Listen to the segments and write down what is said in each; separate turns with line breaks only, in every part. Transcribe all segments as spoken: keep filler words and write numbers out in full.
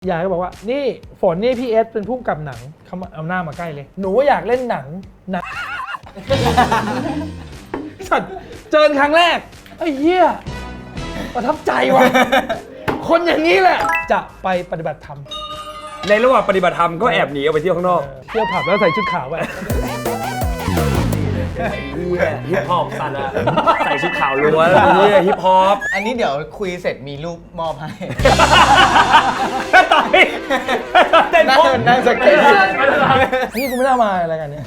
ยายก็บอกว่านี่ฝนนี่พี่เอสเป็นผู้กำกับหนังเขาเอาหน้ามาใกล้เลยหนูว่าอยากเล่นหนังหนังสัตว์เจอครั้งแรกไอ้เหี้ยประทับใจว่ะคนอย่างนี้แหละจะไปปฏิบัติธรรม
ในระหว่างปฏิบัติธรรมก็แอบหนีออกไปเที่ยวข้างนอก
เที่ยวผับแล้วใส่ชุดขาวไป
ฮิปฮอปสัตว์อะใส่ชุดขาวล้วนนี่ฮิปฮอป
อันนี้เดี๋ยวคุยเสร็จมีรูปมอบให้
ต่อยเต้น
นั่งนั่งสเก็ต
นี่กูไม่น่ามาอะไรกันเนี่ย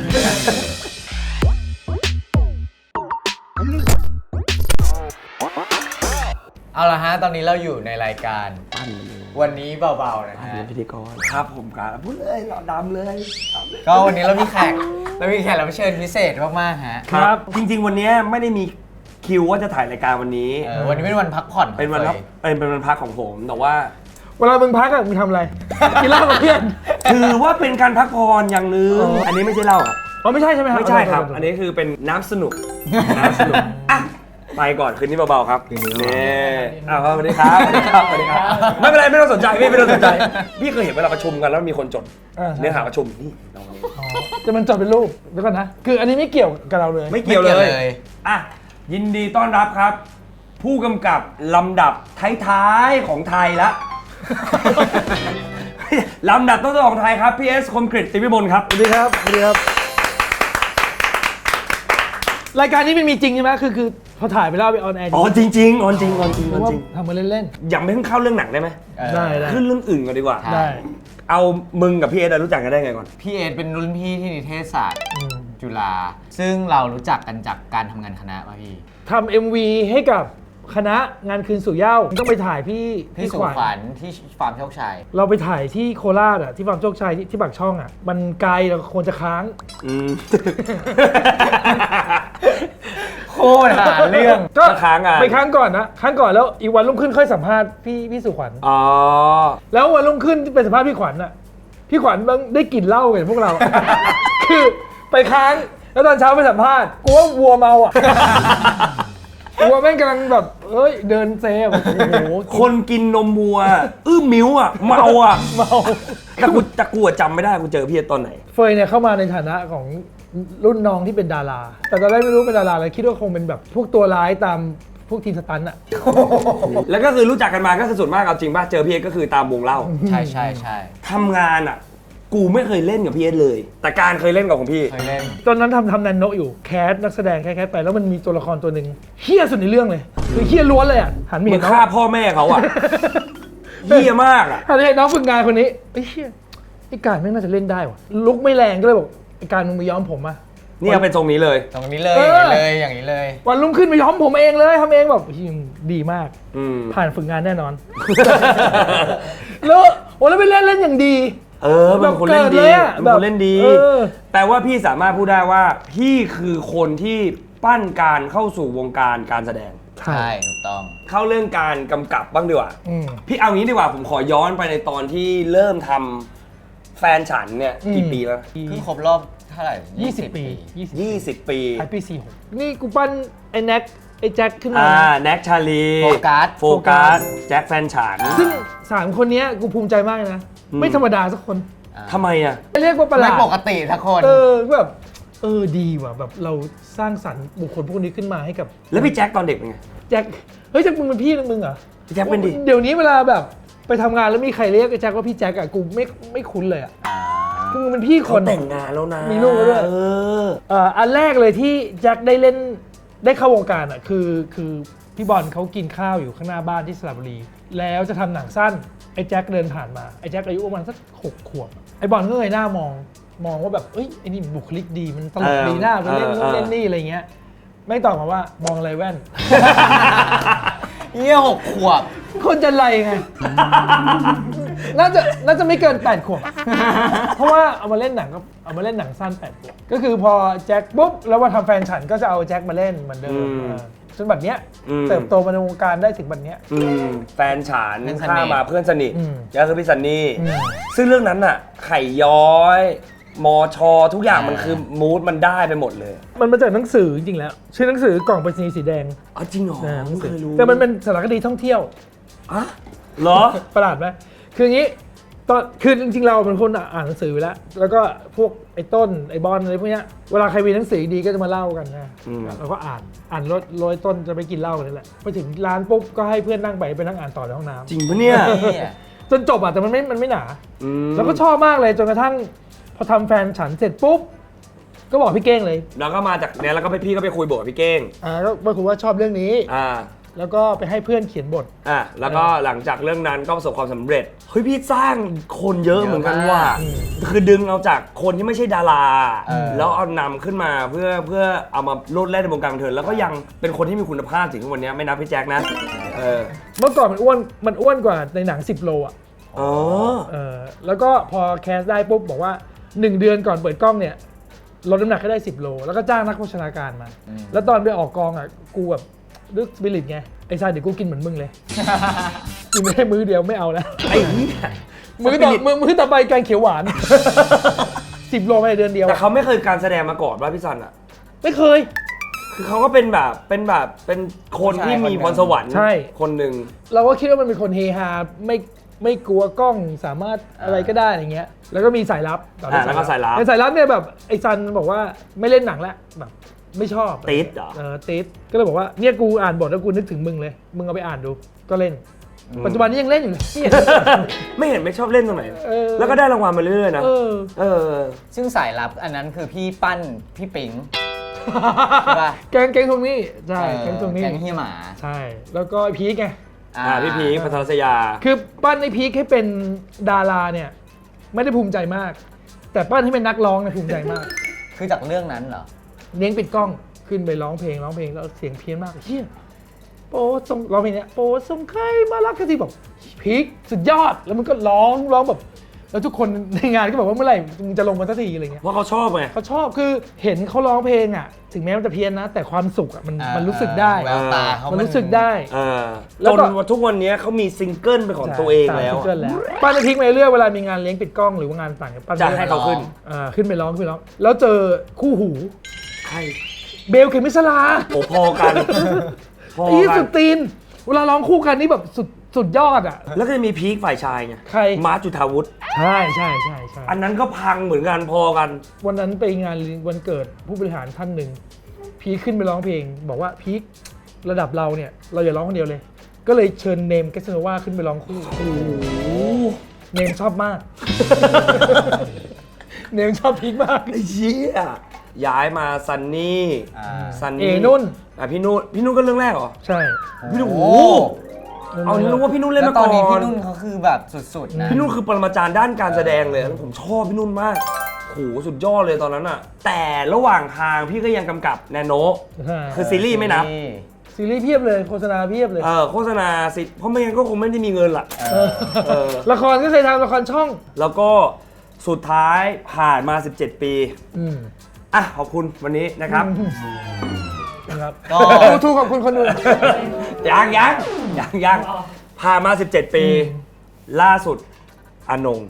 เอาละฮะตอนนี้เราอยู่ในรายการวันนี้เบาๆนะฮะ
พิธีกรครับผมครับพูดเลยหล่อดำเลย
ก็วันนี้เรามีแขกเรามีแขกรับเชิญพิเศษมากๆฮะ
ครับจริงๆวันนี้ไม่ได้มีคิวว่าจะถ่ายรายการวันนี้
วันนี้เป็นวันพักผ่อน
เป็นวันพักเป็นวันพักของผมแต่ว่า
เวลามึงพักอะมึงทำอะไรกินเหล้ากับเพื่อน
ถือว่าเป็นการพักผ่อนอย่างนึงอันนี้ไม่ใช่เหล้าครับ
อ๋อไม่ใช่ใช่ไหมครับ
ไม่ใช่ครับอันนี้คือเป็นน้ำสนุกน้ำสนุกอ่ะไปก่อนคืนนี้เบาๆครับนี่อ้าวสวัสดีครับสวัสดีครับสวัสดีครับไม่เป็นไรไม่ต้องสนใจพี่ไม่ต้องสนใจพี่เคยเห็นเวลาประชุมกันแล้วมีคนจดเนื้อหาประชุมนี่เรา
จะมันจดเป็นรูปเดี๋ยวก่อนนะคืออันนี้ไม่เกี่ยวกับเราเลย
ไม่เกี่ยวเลยอ่ะยินดีต้อนรับครับผู้กำกับลำดับท้ายๆของไทยละลำดับต้นๆของไทยครับพี่เอสคมกฤษ ติวิมลครับ
สวัสดีครับสวัสดีครับรายการนี้มันมีจริงใช่ไหมคือคือพอถ่ายไปแล้วไปออนแอร์
อ๋อจริงจริงออนจริงออนจริงออนจริง
ทำมาเล่น
ๆยังไม่เพิ่งเข้าเรื่องหนังได้ไหม
ได้ได้
ขึ้นเรื่องอื่นก่อนดีกว่า
ได้
เอามึงกับพี่เอสรู้จักกันได้ไงก่อน
พี่เอสเป็นรุ่นพี่ที่นิเทศศาสตร์จุฬาซึ่งเรารู้จักกันจากการทำงานคณะมาพี่
ทำ เอ็ม วี ให้กับคณะงานคืนสู่เหย้าต้องไปถ่ายพี่
พี่สุขวัญที่ฟาร์มโชคชัย
เราไปถ่ายที่โคราชอ่ะที่ฟาร์มโชคชัยที่ที่ปากช่องอ่ะมันไกลเราควรจะค้าง
โคตรหาเรื่อง
ก็ค้างอ่ะไปค้างก่อนนะค้างก่อนแล้วอีกวันรุ่งขึ้นค่อยสัมภาษณ์พี่พี่สุขวัญ
อ๋อ
แล้ววันรุ่งขึ้นไปสัมภาษณ์พี่ขวัญอ่ะพี่ขวัญได้กลิ่นเหล้ากับพวกเราคือไปค้างแล้วตอนเช้าไปสัมภาษณ์กูว่าวัวเมาอ่ะวัวแม่งกำลังแบบเอ้ยเดินเซ่แบบโอ้โห
คนกินนมวัวอื้อมิ้วอ่ะเมาอ่ะ
เมา
แต่กูแต่กูจำไม่ได้กูเจอพี่ตอนไหน
เฟยเนี่ยเข้ามาในฐานะของรุ่นน้องที่เป็นดาราแต่ตอนแรกไม่รู้เป็นดาราอะไรคิดว่าคงเป็นแบบพวกตัวร้ายตามพวกทีมสตันท์อ่ะ
แล้วก็คือรู้จักกันมาก็คือส่วนมากเอาจริงป่ะเจอพี่เอสก็คือตามวงเล่า
ใช่ใช่ใช่
ทำงานอ่ะกูไม่เคยเล่นกับพี่เอสเลยแต่การเคยเล่นกับของพี่
เคยเล่น
ตอนนั้นทำทำแนนโนอยู่แคสนักแสดงแคสไปแล้วมันมีตัวละครตัวหนึ่งเฮี้ยสุดในเรื่องเลยคือเฮี้ยล้วนเลยอ่ะหันมาเห็น
น้องฆ่าพ่อแม่เขาอ่ะเฮี้ยมากอ่ะ
หันไปเห็นน้องฝึกงานคนนี้ไอ้เฮี้ยไอ้การไม่น่าจะเล่นได้ว่ะลุกไม่แรงก็เลยบอกไอ้การมึงมาย้อมผมอ่ะ
นี่เอาเป็นทรงนี้เลย
ตรงนี้เลยอย่างนี้เลยอย่างนี้เลย
วันรุ่งขึ้นมาย้อมผมเองเลยทำเองแบบดีมากผ่านฝึกงานแน่นอนแล้วโอ้แล้วไปเล่นเล่นอย่างดี
เออเป็นคนเล่นดีเป็นคนเล่นดีแปลว่าพี่สามารถพูดได้ว่าพี่คือคนที่ปั้นการเข้าสู่วงการการแสดง
ใช่ถูกต้อง
เข้าเรื่องการกำกับบ้างดีกว่าพี่เอางี้ดีกว่าผมขอย้อนไปในตอนที่เริ่มทำแฟนฉันเนี่ยกี่ปีแล้ว
เพิ่งครบรอบเท่าไหร่
ยี่สิบปี
ยี่สิบปี
ไอปีสี่หกนี่กูปั้นไอ้แน็กไอ้แจ็คขึ้นมา
อ่าแน็กชาลี
โฟกัส
โฟกัสแจ็คแฟนฉัน
ซึ่งสามคนนี้กูภูมิใจมากนะไม่ธรรมดาสักคน
ทำไมอ่ะ
เรียกว่าประหลาด
ไม่ปกติสักคน
เออแบบเออดีว่ะแบบเราสร้างสรรค์บุคคลพวกนี้ขึ้นมาให้กับ
แล้วพี่แจ็คตอนเด็กเป็นไง
แจ็คเฮ้ยแจ็คมึงเป็นพี่มึงเหรอ
พี่แจ็คเป็นดิ
เดี๋ยวนี้เวลาแบบไปทำงานแล้วมีใครเรียกไอ้แจ็คว่าพี่แจ็คอะกูไม่ไม่คุ้นเลยอะกูเป็นพี่คน
แต่งงานแล้วนะ
มีลูกแล้วด้วยเออเอ่ออันแรกเลยที่แจ็คได้เล่นได้เข้าวงการอะคือคือพี่บอลเขากินข้าวอยู่ข้างหน้าบ้านที่สระบุรีแล้วจะทำหนังสั้นไอ้แจ็คเดินผ่านมาไอ้แจ็คอายุประมาณสักหกขวบไอ้บอลก็เลยหน้ามองมองว่าแบบเอ้ยไอ้นี่บุคลิกดีมันตลกดีหน้าไปเล่นนู่นเล่นนี่อะไรเงี้ยไม่ตอบมาว่ามองอะไรแว่น
เงี้ยหกขวบ
คนจะไรไงน่าจะน่าจะไม่เกินแปดขวบเพราะว่าเอามาเล่นหนังก็เอามาเล่นหนังสั้นแปดขวบก็คือพอแจ็คปุ๊บแล้วมาทำแฟนฉันก็จะเอาแจ็คมาเล่นเหมือนเดิมจนแบบเนี้ยเติบโตมาในวงการได้ถึงแบบเนี้ย
แฟนฉันข้ามาเพื่อนสนิทก็คือพี่ซันนี่ซึ่งเรื่องนั้นน่ะไข่ย้อยมอชอทุกอย่างมันคือมูดมันได้ไปหมดเลย
มันมาจากหนังสือจริงๆแล้วชื่อหนังสือกล่องไปรษณีย์สีแดง
อ๋อจริงเหรอไม่เคยรู้
แต่มันเป็นสารคดีท่องเที่ยว
อ่ะเหรอ
ประหลาดไหมคืออย่างนี้ตอนคือจริงๆเราเป็นคนอ่านหนังสืออยู่แล้ว แล้วก็พวกไอ้ต้นไอ้บอลอะไรพวกเนี้ยเวลาใครมีหนังสือดีก็จะมาเล่ากันนะเราก็อ่านอ่านรถโรยต้นจะไปกินเหล้ากันนี่แหละไปถึงร้านปุ๊บก็ให้เพื่อนนั่งไปไปนั่งอ่านต่อในห้องน้ำ
จริงปะเนี่ย
จนจบอ่ะแต่มันไม่มันไม่หนา
อืม
แล้วก็ชอบมากเลยจนกระทั่งพอทำแฟนฉันเสร็จปุ๊บก็บอกพี่เก้งเลย
แล้วก็มาจากเนี้ยแล้วก็ไปพี่ก็ไปคุยบทกับพี่เก้ง
อ่าก็มาคุยว่าชอบเรื่องนี้
อ่า
แล้วก็ไปให้เพื่อนเขียนบท
อ่ะแล้วก็หลังจากเรื่องนั้นก็ประสบความสำเร็จเฮ้ยพี่สร้างคนเยอะเหมือนกันว่ะ
อืม
คือดึงเอาจากคนที่ไม่ใช่ดารา
เออ
แล้วเอานำขึ้นมาเพื่อเพื่อเอามาโลดแล่นในวงการบันเทิงแล้วก็ยังเป็นคนที่มีคุณภาพถึงทุกวันนี้ไม่นับพี่แจ็คนะเออ
เมื่อก่อนมันอ้วนมันอ้วนกว่าในหนังสิบโลอ่ะ
อ๋อ
เออแล้วก็พอแคสได้ปุ๊บบอกว่าหนึ่งเดือนก่อนเปิดกล้องเนี่ยลดน้ำหนักให้ได้สิบโลแล้วก็จ้างนักโภชนาการมา แล้วตอนไปออกกองอ่ะกูแบบดึกสปิริตไงไอ้ชายเดี๋ยวกูกินเหมือนมึงเลย กินไม่ได้มื้อเดียวไม่เอาแล้ว
ไอ้เหี้ย
มื้อต่อมื้อมื้อต่อไปแกงเขียวหวาน สิบโลภายในเดือนเดียว
แต่เขาไม่เคยการแสดงมาก่อนว่าพี่ซันอ่ะ
ไม่เคย
คือเขาก็เป็นแบบเป็นแบบเป็นคนที่มีพรสวรรค์
ใช่
คนหนึ่ง
เราก็คิดว่ามันเป็นคนเฮฮาไม่ไม่กลัวกล้องสามารถอะไรก็ได้อย่างเงี้ยแล้วก็มีสายลับต่อด้วย
อ่าแล้วก็สายลับ
ในสายลับเนี่ยแบบไอ้ซันบอกว่าไม่เล่นหนังแล้วแบบไม่ชอบ
ติดเหรอ
เออติดก็เลยบอกว่าเนี่ยกูอ่านบทแล้วกูนึกถึงมึงเลย มึงเอาไปอ่านดูก็เล่น ปัจจุบันนี้ยังเล่นอยู่เลยเนี่ย
ไม่เห็นไม่ชอบเล่นตรงไหน
เออ
แล้วก็ได้รางวัลมาเรื่อยๆนะ
เออ
เออ
ซึ่งสายลับอันนั้นคือพี่ปั้นพี่ปิง ใช่ป่ะ
แกงแกงทวงหนี้ใช่
เออ
แกงทวงหนี้
แก๊งเฮียหมา
ใช่ แล้วก็พีคไง
อ่าพี่พีคพัทรศยา
คือปั้นไอ้พีคให้เป็นดาราเนี่ยไม่ได้ภูมิใจมาก แต่ปั้นให้เป็นนักร้องเนี่ยภูมิใจมาก
คือจากเรื่องนั้นเหรอ
เลี้ยงปิดกล้องขึ้นไปร้องเพลงร้องเพลงแล้วเสียงเพี้ยนมากเฮียโปรดส่งร้องเพลงเนี้ยโปรดส่งใครมารักกันทีแบบพีคสุดยอดแล้วมันก็ร้องร้องแบบแล้วทุกคนในงานก็บอกว่าเมื่อไหร่มึงจะลงมาสักทีอะไรเงี้ย
เพราะเขาชอบไง
เขาชอบคือเห็นเขาร้องเพลงอ่ะถึงแม้มันจะเพี้ยนนะ แต่ความสุขอ่ะมัน
อ่ามั
มันรู้สึกได้
แววตาเขา
มันรู้สึกได้
เออ
แล้
จ
วน ก็
วันทุกวันนี้เขามีซิงเกิลเป็นของตัวเองแล้ว
ใช่สามซิงเกิลแล้วปั้นไอ้พีคมาเรื่อยเวลามีงานเลี้ยงปิดกล้องหรือว่างานต่างๆปั้น
จะให้เขาขึ้น
อ่าขึ้นไปร้องขึ้นไปร้องแล้วเจอคู่หู
ใคร
เบลเขมิสลา
โอ้พอกัน พอ
อี
กั
สุ
น
ดตีน เวลาร้องคู่กันนี่แบบสุดสุดยอดอ่ะ
แล้วก็จะมีพีคฝ่ายชายไง
ใคร
มาร์คจุธาวุฒิ
ใช่ใช่ใช่ใช่
อันนั้นก็พังเหมือนกันพอกัน
วันนั้นไปงานวันเกิดผู้บริหารท่านหนึ่งพีคขึ้นไปร้องเพลง บอกว่าพีคระดับเราเนี่ยเราอย่าร้องคนเดียวเลย ก็เลยเชิญเนมแกสโนวาขึ้นไปร้องคู่เนมชอบมาก เนมชอบพีคมาก
ไอ้เหี้ยย้ายมาซันนี่
อ่า
ซัน
เอ
นี่
นุ่น
อ่ะพี่นุ่นพี่นุ่นก็เรื่องแรกเหรอ
ใช่
พี่นุ่น
โอ้
โอ้โหเอารู้ว่าพี่นุ่นเล่น
แล้ว
มา
ต
ก่
อ
อน น
นี้พี่นุ่นเขาคือแบบสุดๆนะ
พี่นุ่นคือปรมาจารย์ด้านการแสดงเลยแล้วผมชอบพี่นุ่นมากโหสุดยอดเลยตอนนั้นอะแต่ระหว่างทางพี่ก็ยังกำกับแนโน
ใช่
คือซีรีส์ไม่นับ
ซีรีส์เพียบเลยโฆษณาเพียบเลย
เออโฆษณาสิเพราะไม่งั้นก็คงไม่ได้มีเงินละ
เออ
เออ
ละครก็เคยทำละครช่อง
แล้วก็สุดท้ายผ่านมาสิบเจ็ดปี
อืม
อ่ะขอบคุณวันนี้นะครับ
นะครับ
ก็
ทูทูขอบคุณคนดู
ยังยังยังยังผ่านมาสิบเจ็ดปี ล่าสุดอนง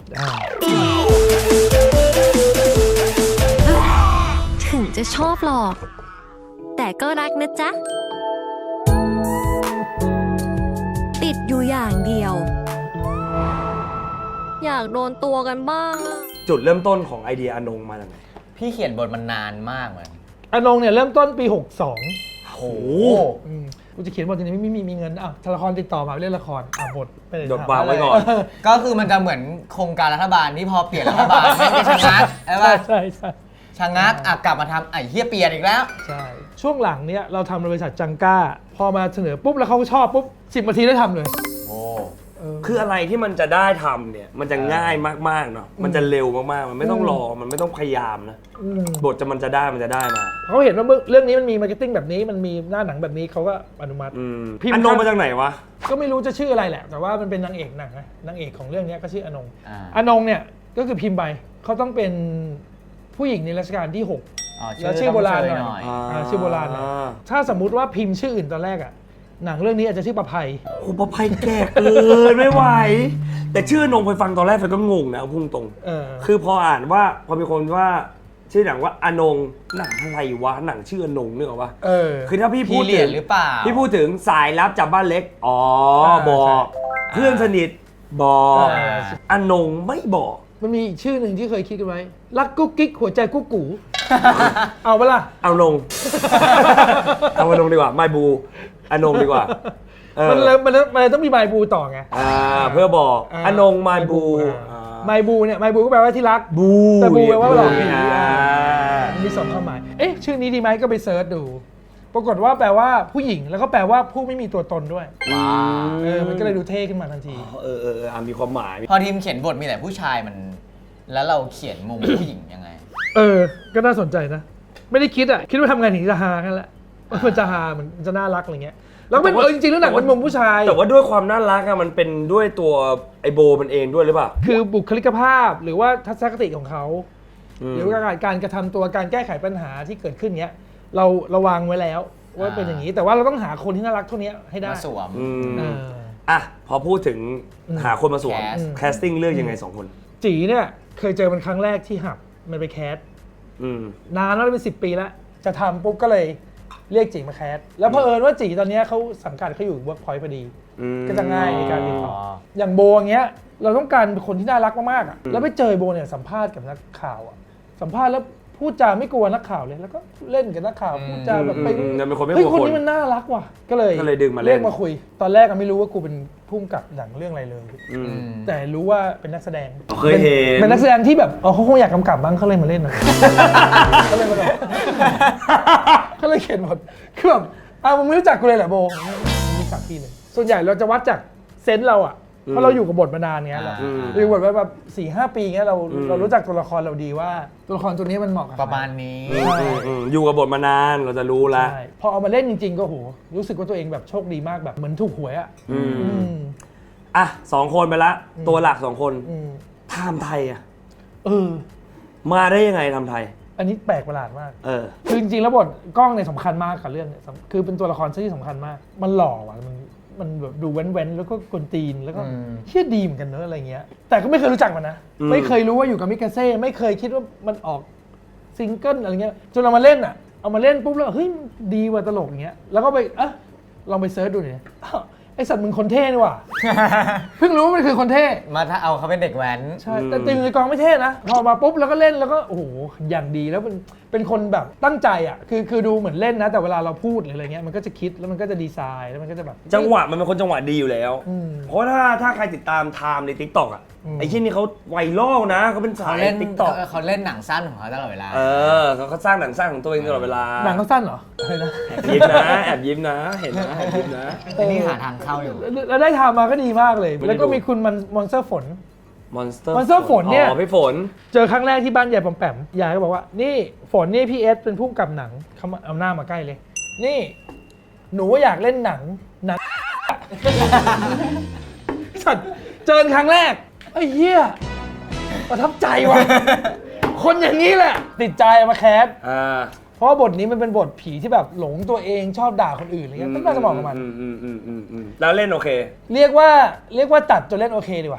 ถึงจะชอบหรอก แต่ก็รักนะจ๊ะ ติดอยู่อย่างเดียว อยากโดนตัวกันบ้างอะ
จุดเริ่มต้นของไอเดียอนงมาจากไหน
พี่เขียนบทมันนานมากเหมือน
อนงเนี่ยเริ่มต้นปีหกสอง
โอ้โห
อืมกูจะเขียนบททีนี้ไม่มีมีเงินอ้าวละครติดต่อมาเล่นละครอ่ะบทไปเลย
ดดวางไว้ก่อน
ก็คือมันจะเหมือนโครงการรัฐบาลที่พอเปลี่ยนรัฐบาลไม่ได้ชะงักใช่
ใช่
ป่ะ
ใช่ใช่
ชะงักอ่ะกลับมาทำไอ้เฮียเปลี่ยนอีกแล้ว
ใช่ช่วงหลังเนี่ยเราทำบริษัทจังก้า พอมาเสนอปุ๊บแล้วเขาก็ชอบปุ๊บสิบนาทีได้ทำเลย
โอ้
เออ
คืออะไรที่มันจะได้ทำเนี่ยมันจะง่ายมากๆเนาะมันจะเร็วมากๆมันไม่ต้องรอมันไม่ต้องพยายามนะ
อืม
บทจะมันจะได้มันจะได้มา
เขาเห็นว่าเรื่องนี้มันมีมาร์เก็ตติ้งแบบนี้มันมีหน้าหนังแบบนี้เขาก็อนุมัติ
อืม
พิมพ์
อนงมาจากไหนวะ
ก็ไม่รู้จะชื่ออะไรแหละ แต่ว่ามันเป็นนางเอกหนังนะนางเอกของเรื่องนี้ก็ชื่ออนง
อ่า
อนงเนี่ยก็คือพิมพ์ไปเขาต้องเป็นผู้หญิงในรัชกาลที่หก
อ๋อ
แล้วชื่อโบราณหน่อย
ต้งเชย
อ่าชื่อโบราณหน่อยถ้าสมมุติว่าพิมพ์ชื่ออื่นตอนแรกอะหนังเรื่องนี้อาจจะชื่อประภัย
โอ้ประภัยแก่เกินไม่ไหว แต่ชื่อนงไปฟังตอนแรกไปก็งงนะเอาพุ่งตรง
เออ
คือพออ่านว่าพอมีคนว่าชื่อหนังว่าอนงหนังอะไรวะหนังชื่ออนงนึกออกปะ
เออ
คือถ้าพี่พู
พี่
ด
เหรี
ถึ
ยญ
ง
หรือเปล่า
พี่พูดถึงสายลับจากบ้านเล็กอ๋อ
อ่า
บอก
ใช่
เพื่อนสนิทบอ
อ่า
อนงไม่บอก
มันมีอีกชื่อหนึ่งที่เคยคิดกันไว้ รักกุ๊กกิ๊กหัวใจกุ๊กกู เอาปะล่ะ
เอาลง เอามาลงดีกว่าไมบูอนงดีกว่าเออ
มันเลยมันเลยมันเลยต้องมีไมบูต่อไง
อ่าเพื่อบอก
อ่า
อนงไมบู
อ่าไมบูเนี่ยไมบูก็แปลว่าที่รัก
บู
แต่บูแปลว่าหลอกผี
อ่า
มีสองความหมาย เอ๊ะชื่อนี้ดีไหมก็ไปเซิร์ชดู ปรากฏว่าแปลว่าผู้หญิงแล้วก็แปลว่าผู้ไม่มีตัวตนด้วย
ว้า
เออ มันก็เลยดูเท่ขึ้นมาทันที
เออเออเอออ่ะมีความหมาย
พอทีมเขียนบทมีแต่ผู้ชายมัน แล้วเราเขียนมุมผู้หญิงยังไง
เออ ก็น่าสนใจนะ ไม่ได้คิดอ่ะ คิดว่าทำไงถึงจะฮากันแหละมันจะฮามันจะน่ารักอะไรเงี้ย แล้วเป็น
แต่ว่า
เออจริงๆแล้วหนังเป็นมุมผู้ชาย
แต่ว่าด้วยความน่ารักอะมันเป็นด้วยตัวไอโบมันเองด้วยหรือเปล่า
คือบุคลิกภาพหรือว่าทัศนคติของเขา
อืม
หรือว่าการการกระทำตัวการแก้ไขปัญหาที่เกิดขึ้นเนี้ย เราระวังไว้แล้วว่าเป็นอย่างนี้ แต่ว่าเราต้องหาคนที่น่ารักเท่านี้ให้ได้
มาสวม
อืม
เออ
อ่ะพอพูดถึง
อืม
หาคนมาสวม
แคส
แคสติ้งเลือกยังไงสองคน
จีเนี่ยเคยเจอมันครั้งแรกที่หับมันไปแคส
อืม
นานแล้วเป็นสิบปีแล้ว จะทำปุ๊บก็เลยเรียกจีมาแคส แล้วเผอิญว่าจีตอนเนี้ยเขาสังกัดเขาอยู่เวิร์กพอยต์พอดี
อืม
ก็จะง่ายในการติดต่อ
อ๋อ
อย่างโบอย่างเงี้ย เราต้องการคนที่น่ารักมากๆอ่ะ แล้วไปเจอโบเนี่ยสัมภาษณ์กับนักข่าวอ่ะ สัมภาษณ์แล้วพูดจาไม่กลัวนักข่าวเลย แล้วก็เล่นกับนักข่าวพูดจาแบบไป
อืมยังเป็นคนไม่ก
เฮ้ย
ลัว
คน
คน
นี้มันน่ารักว่ะ ก็เลย
ก็เลยดึงมาเล่น
เรียกมาคุย ตอนแรกก็ไม่รู้ว่ากูเป็นผู้กำกับหนังเรื่องอะไรเลย
อืม
แต่รู้ว่าเป็นนักแสดง
เคยเห็น
เป็นนักแสดงที่แบบอ๋อเขาคงอยากกำกับบ้างเขาเลยมาเล่นนะ เขาเลยมาแบบเขาเลยเขียนหมดคือแบบอ้าวมึงไม่รู้จักกูเลยเหรอโบไม่รู้จักพี่เลย ส่วนใหญ่เราจะวัดจากเซนส์เราอ่ะ เพราะเราอยู่กับบทมานานเงี้ยเรา
อืม
เราอยู่กับบทมาแบบสี่ห้าปีเงี้ยเรา
อืม
เรารู้จักตัวละครเราดีว่าตัวละครตัวนี้มันเหมาะกับ
ประมาณนี้
อืมอืมอืมอยู่กับบทมานานเราจะรู้ละ
ใช่พอเอามาเล่นจริงๆ ก็โหรู้สึกว่าตัวเองแบบโชคดีมากแบบเหมือนถูกหวยอ่ะ
อืม
อืม
อ่ะสองคนไปละ ตัวหลักสองคน
อืม
ไทม์ไทยอ่ะ
เออ
มาได้ยังไงไทม์ไทย
อันนี้แปลกประหลาดมาก
เออ
คือจริงๆแล้วบทกล้องเนี่ยสำคัญมากกับเรื่องเนี่ยสำคือเป็นตัวละครที่สำคัญมาก มันหล่อว่ะมันมันแบบดูแว้นๆแล้วก็กวนตีนแล้วก็
อืม
เชี่ยดีเหมือนกันเนอะอะไรเงี้ย แต่ก็ไม่เคยรู้จักมันนะ
อืม
ไม่เคยรู้ว่าอยู่กับมิกาเซ่ไม่เคยคิดว่ามันออกซิงเกิลอะไรเงี้ยจนเรามาเล่นอ่ะเอามาเล่นปุ๊บแล้วเฮ้ยดีว่ะตลกอย่างเงี้ยแล้วก็ไปเอะลองไปเซิร์ชดูเนี่ยอ้าวไอสัตว์มึงคนเท่นี่ว่ะ เพิ่งรู้ว่ามันคือคนเท่
มาถ้าเอาเขาเป็นเด็กแว้น
ใช่ แต่ตีมในกองไม่เท่นะ พอมาปุ๊บแล้วก็เล่นแล้วก็โอ้โหอย่างดีแล้วเป็นเป็นคนแบบตั้งใจอ่ะคือคือดูเหมือนเล่นนะ แต่เวลาเราพูดหรืออะไรเงี้ยมันก็จะคิดแล้วมันก็จะดีไซน์แล้วมันก็จะแบบ
จังหวะมันเป็นคนจังหวะดีอยู่แล้ว
อืม
เพราะถ้าถ้าใครติดตามไทม์ในทิกตอกอ่ะ
อืม
ไอ้ที่นี่เขาไวรัลนะเขาเป็นสา
เขา
ย
เล่น
ทิกตอก
เขาเขาเล่นหนังสั้นของเขาตลอดเวลา
เออเขาเขาสร้างหนังสร้างของตัวเองตลอดเวลา
หนังเขาสั้นเหรออะไรนะ
แอบยิ้มนะแอบยิ้มนะ เห็นนะแอบยิ้มนะ
อันนี้หาทางเข้าอยู่
แล้วแล้วได้ทำมาก็ดีมากเลย
ไม่ได้
แล้วก็
ดู
มีคุณมันมอนสเตอร์ฝน
มอนสเตอร์
Monster ฝนเนี่ย
อ๋อพี่ฝน
เจอครั้งแรกที่บ้านยายปอมแปมยายก็บอกว่า นี่ฝนนี่พี่เอสเป็นผู้กำกับหนังเขามาเอาหน้ามาใกล้เลย นี่ หนูอยากเล่นหนังหนัง สัตว์เจอครั้งแรกไอ้เหี้ยประทับใจว่ะ คนอย่างนี้แหละ ติดใจเอามาแคส
อ่า
เพราะว่าบทนี้มันเป็นบทผีที่แบบหลงตัวเองชอบด่าคนอื่นอะไรเงี้ยก็น่าจะเหมาะกับมัน
อืมอืมอืมอืมอืมแล้วเล่นโอเค
เรียกว่าเรียกว่าตัดจนเล่นโอเคดีกว่า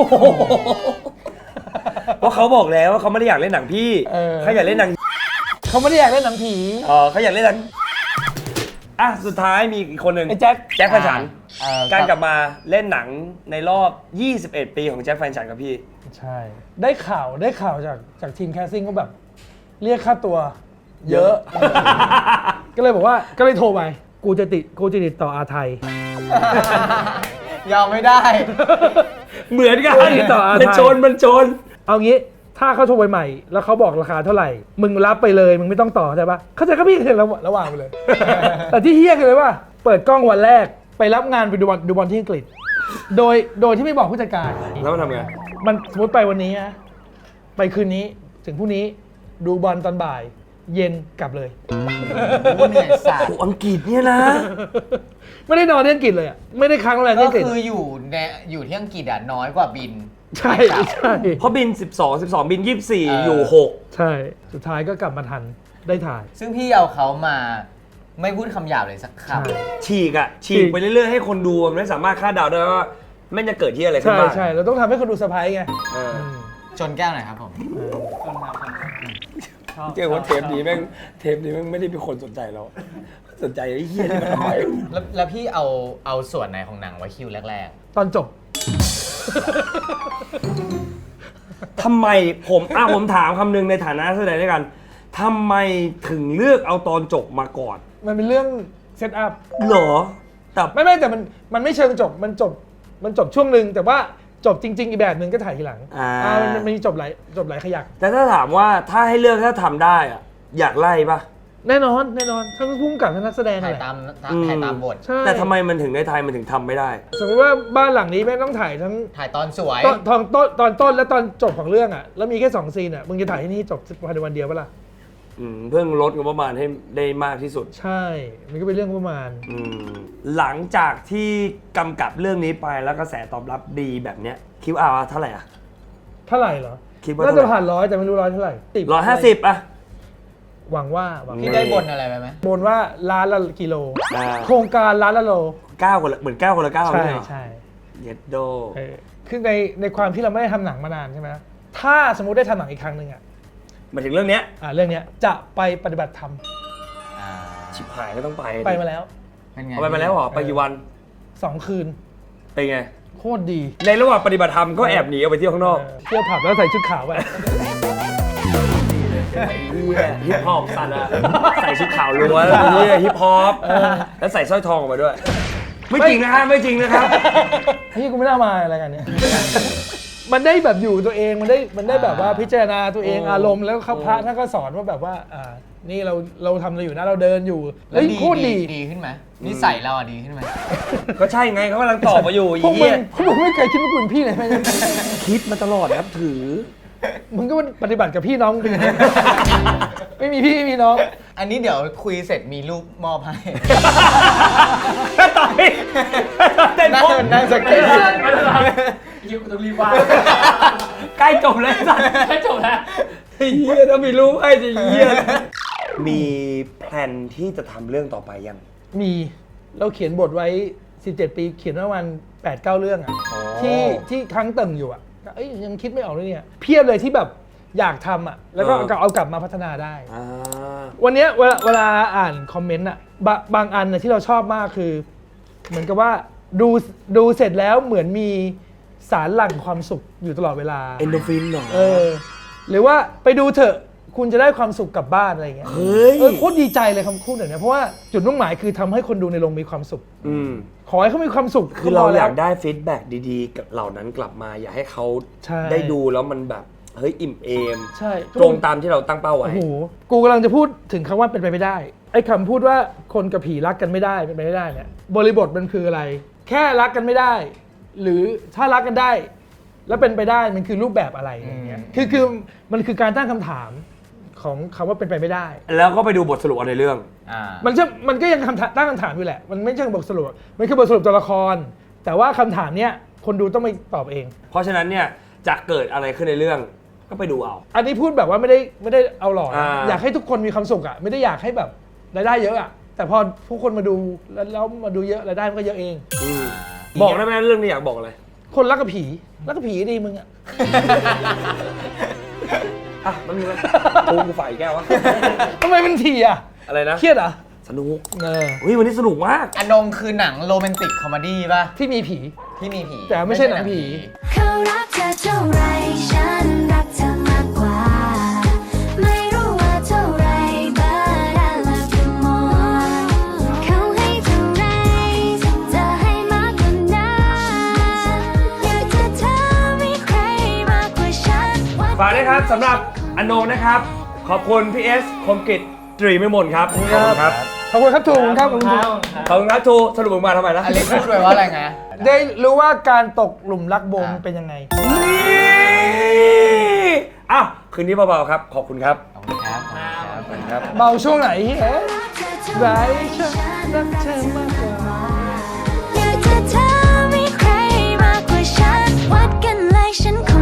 เพราะเขาบอกแล้วว่าเขาไม่ได้อยากเล่นหนังพี่
เออ
เขาอยากเล่นหนัง
เขาไม่ได้อยากเล่นหนังผี
อ๋อเขาอยากเล่นหนังอ่ะสุดท้ายมีอีกคนหนึ่ง
ไอ้แจ็ค
แจ็คแฟนฉัน
เอ่อ
การกลับมาเล่นหนังในรอบ ยี่สิบเอ็ด ปีของแจ็คแฟนฉันกับพี่
ใช่ ได้ข่าวได้ข่าวจากจากทีมแคสซิ่งก็แบบ เรียกค่าตัว เยอะ ก็เลยบอกว่าก็เลยโทรไป กูจะติดกูจะติดต่ออาไทย
ยอมไม่ได้
เหมือนกัน
เฮ้ยต่ออะไร
มันชนมันชน
เอางี้ถ้าเขาโทรไปใหม่ แล้วเขาบอกราคาเท่าไหร่ มึงรับไปเลยมึงไม่ต้องต่อใช่ปะเข้าใจก็พี่เห็นระระหว่างไปเลย แต่ที่เฮี้ยคือเลยว่า เปิดกล้องวันแรกไปรับงานไปดูบอลดูบอลที่อังกฤษ โดยโดยที่ไม่บอกผู้จัดการ
แล้วมันทำไง
มันสมมติไปวันนี้นะไปคืนนี้ถึงพรุ่งนี้ดูบอลตอนบ่าย เย็นกลับเลย
โอ้เหนื่อยสัตว์
โอ้อังกฤษเนี่ยนะ
ไม่ได้นอนที่อังกฤษเลยอ่ะไม่ได้ค้างโรงแรมที่
ก็
อังกฤษ
คืออยู่ในอยู่ที่อังกฤษอ่ะน้อยกว่าบิน
ใช่ใช่
เพราะบิน สิบสอง สิบสอง บิน ยี่สิบสี่
เออ
อ
อ
ยู่ หก
ใช่สุดท้ายก็กลับมาทันได้ถ่าย
ซึ่งพี่เอาเขามาไม่พูดคำหยาบเลยสักค
ใช่
ฉีกอะฉี
ฉี
ก
ก
ไปเรื่อยๆ ให้คนดูมันไม่สามารถคาดเดาได้ว่าแม่งจะเกิดที่อะไรขึ้น
ใช่
บ้าง
ใช่เราต้องทำให้คนดูเซอร์ไพรส์ไง
เออ
อืม
ำชนแก้วหน่อยครับผม
เจ๊ว่าเทปนี้แม่งเทปนี้แม่งไม่ได้มีคนสนใจเรา สนใจไอ้เหี้ยนี่มันทำไม
แล้วแล้วพี่เอาเอาส่วนไหนของหนังไว้คิวแรก
ตอนจบ
ทำไมผมอ่ะผมถามคำหนึงในฐานะนักแสดงด้วยกันทำไมถึงเลือกเอาตอนจบมาก่อน
มันเป็นเรื่องเซตอัพ
เหรอแต่
ไม่ไม่แต่มันมันไม่เชิงจบมันจบมันจบช่วงหนึ่งแต่ว่าจบจริง ๆ อีกแบบหนึ่งก็ถ่ายทีหลัง
อ่า
อ่ามันมันมีจบหลายจบหลายขยัก
แต่ถ้าถามว่าถ้าให้เลือกถ้าทำได้อะอยากไล่ปะ
แน่นอนแน่นอนทั้งพุ่งกับทั้งนักแสดง
ถ่าย
แหละ
ตาม
อืม
ถ่ายตามบท
ใช่
แต่ทำไมมันถึงในไทยมันถึงทำไม่ได้
สมมติว่าบ้านหลังนี้แม่งต้องถ่ายทั้ง
ถ่ายตอนสวย
ตอนตอนต้นตอนต้นและตอนจบของเรื่องอ่ะแล้วมีแค่สองซีนอ่ะมึงจะถ่ายที่นี่จบภายในวันเดียวปะล่ะ
อืมเพิ่งลดงบประมาณให้ได้มากที่สุด
ใช่มันก็เป็นเรื่องประมาณ
อืมหลังจากที่กำกับเรื่องนี้ไปแล้วกระแสตอบรับดีแบบเนี้ยคิดว่าเอาเท่าไหร่อ่ะ
เท่าไหร่เหรอ
คิดว่า
น่า
เท่า
จะ
ไหร่
ผ่านร้อยแต่ไม่รู้ร้อยเท่าไหร่ติด
ร้อยห้าสิบอ่ะ
หวังว่าหวัง
พี่
ว่า
ได้บนอะไรไปไหม
บนว่าล้านละกิโล
อ่า
โครงการล้านละโล
เก้าคนละเหมือนเก้าคนละเก้า
ใช่
ไม่เหรอ
ใช่
เย็ดโด
เออคือในในความที่เราไม่ได้ทำหนังมานานใช่ไหมถ้าสมมุติได้ทำหนังอีกครั้งหนึ่งอ่ะ
มาถึงเรื่องเนี้ย
อ่าเรื่องเนี้ยจะไปปฏิบัติธรรม
อ่า
ชิบหายก็ต้องไป
ไปมาแล้ว
เป็นไง
เอาไปมาแล้วเหรอไปกี่วัน
สองคืน
เป็นไง
โคตรดี
ในระหว่างปฏิบัติธรรมก็แอบหนีออกไปเที่ยวข้างนอก
เออเที่ยวผับแล้วใส่ชุดขาวไป
ฮิปฮอปสัตว์อะใส่ชุดขาวล้วนเฮียฮิปฮอปแล้วใส่สร้อยทองออกมาด้วย ไม่จริงนะฮะไม่จริงนะครับ
พี่กูไม่น่ามาอะไรกันเนี่ย มันได้แบบอยู่ตัวเองมันได้มันได้แบบว่าพิจารณาตัวเอง
โอ้
อารมณ์แล้วเขาพระท่านก็สอนว่าแบบว่าอ่านี่เราเราทำอะไรอยู่นะเราเดินอยู่
แล้ว
เฮ้ย
ดี
โคตรดี
ดีขึ้นไหมนิสัยเราอะดีขึ้นไหม
ก็ใช่ไงเขากำลังตอบมาอยู่
พวก
อี
มึ
เหี้
ง
ย
พวกมึงไม่เคยคิดว่ากูเป็นพี่เลยไหม
คิดมาตลอดครับถือ
มึงก็ปฏิบัติกับพี่น้องเป็นอย่างนี้ ไม่มีพี่ไม่มีน้อง
อันนี้เดี๋ยวคุยเสร็จมีรูปมอบให้
ต่อยเต้น
นั่ง
โป๊ะ
นั่งสเก็ต
ยิวกูต้องรีบว่า
ใกล้จบเลยสัตว์
แค่จบแล้ว
ไอ้เหี้ยถ้ามีรู้ให้จะเหี้ยมีแพลนที่จะทำเรื่องต่อไปยัง
มีเราเขียนบทไว้สิบเจ็ดปีเขียนประมาณแปดเก้าเรื่องอ่ะ
อ๋อ
ที่ที่ค้างเติ่งอยู่อ่ะเอ้ยยังคิดไม่ออกเลยเนี่ยเพียบเลยที่แบบอยากทำอ่ะแล้วก็เอาเอากลับมาพัฒนาได้
อ่า
วันเนี้ยเวลาเวลาอ่านคอมเมนต์อ่ะบะบางอันนะที่เราชอบมากคือ เหมือนกับว่าดูดูเสร็จแล้วเหมือนมีสารหลั่งความสุขอยู่ตลอดเวลา
เอนโดฟินเหรอ
เออหรือว่าไปดูเถอะคุณจะได้ความสุขกลับบ้านอะไรอย่างเงี้ย
เฮ้ย
เออโคตรดีใจเลยคำพูดแบบเนี้ยเพราะว่าจุดมุ่งหมายคือทำให้คนดูในโรงมีความสุข
อืม
ขอให้เขามีความสุข
คือเรา
พ
อยาก
แล้ว
ได้ฟีดแบ็กดีๆ กับเหล่านั้นกลับมา อยากให้เขา
ใช่
ได้ดูแล้วมันแบบเฮ้ยอิ่มเอม
ใช่
ตรงตามที่เราตั้งเป้าไว้
โอ้โหกูกำลังจะพูดถึงคำว่าเป็นไปไม่ได้ไอ้คำพูดว่าคนกับผีรักกันไม่ได้เป็นไปไม่ได้เนี่ยบริบทมันคืออะไร แค่รักกันไม่ได้ หรือถ้ารักกันได้ แล้วเป็นไปได้มันคือรูปแบบอะไรอย่างเงี้ยคือคือมันคือการตั้งคำถามของคำว่าเป็นไปไม่ได้
แล้วก็ไปดูบทสรุปเอาในเรื่อง
อ่า
มันจะมันก็ยังคำถามตั้งคำถามอยู่แหละ มันไม่ใช่บทสรุป มันคือบทสรุปตัวละคร แต่ว่าคำถามเนี้ยคนดูต้องไปตอบเอง
เพราะฉะนั้นเนี่ยจะเกิดอะไรขึ้นในเรื่อง ก็ไปดูเอา
อันนี้พูดแบบว่าไม่ได้ไม่ได้เอาหล่อนะ
อ่า
อยากให้ทุกคนมีความสุขอ่ะ ไม่ได้อยากให้แบบรายได้เยอะอ่ะ แต่พอผู้คนมาดูแล้วแล้วมาดูเยอะรายได้มันก็เยอะเอง
อืมบอกได้ไหมเรื่องนี้อยากบอกอะไร
คนรักกับผีรักกับผีดีมึงอ่ะ
อ่ะมันมีไหมปูกูฝ่ายแก้ววะ
ทำไมมันทีอ่ะ
อะไรนะ
เครียดเหรอ่ะ
สนุก
เออ
เฮ้ยวันนี้สนุกมาก
อนงคือหนังโรแมนติกคอมเมดี้ป่ะ
ที่มีผี
ที่มีผี
แต่ไม่ใช่หนังผี
เขารักเธอเท่าไรฉันรักเธอมากกว่า ไม่รู้ว่าเท่าไร but I love you more เขาให้เท่าไรจะให้มากกว่านั้นอยากจะเธอมีใครมากกว่าฉัน
ฝากด้วยครับสำหรับอนโนนะครับ ขอบคุณพี่เอสคมกิจตรีไม่มนครับขอบคุณครับ
ขอบคุณครับทูขอบคุณครับขอบคุณครับ
ขอบคุณครับทูสรุปออกมาทำไมนะ
อเล็กพูดไปว่าอะไรไง
ได้รู้ว่าการตกหลุมรักโบม
อ่า
เป็นยังไง
นี่อ้าวคืนนี้เบาๆครับ ขอบคุณครับ
ขอบคุณครับขอบคุณครับ
ครับ
เบาช่วงไหนเฮ้ยไรฉันรักเธอมากกว่า
อยากจะเธอมีใครมากกว่าฉันวัดกันเลยฉันขอ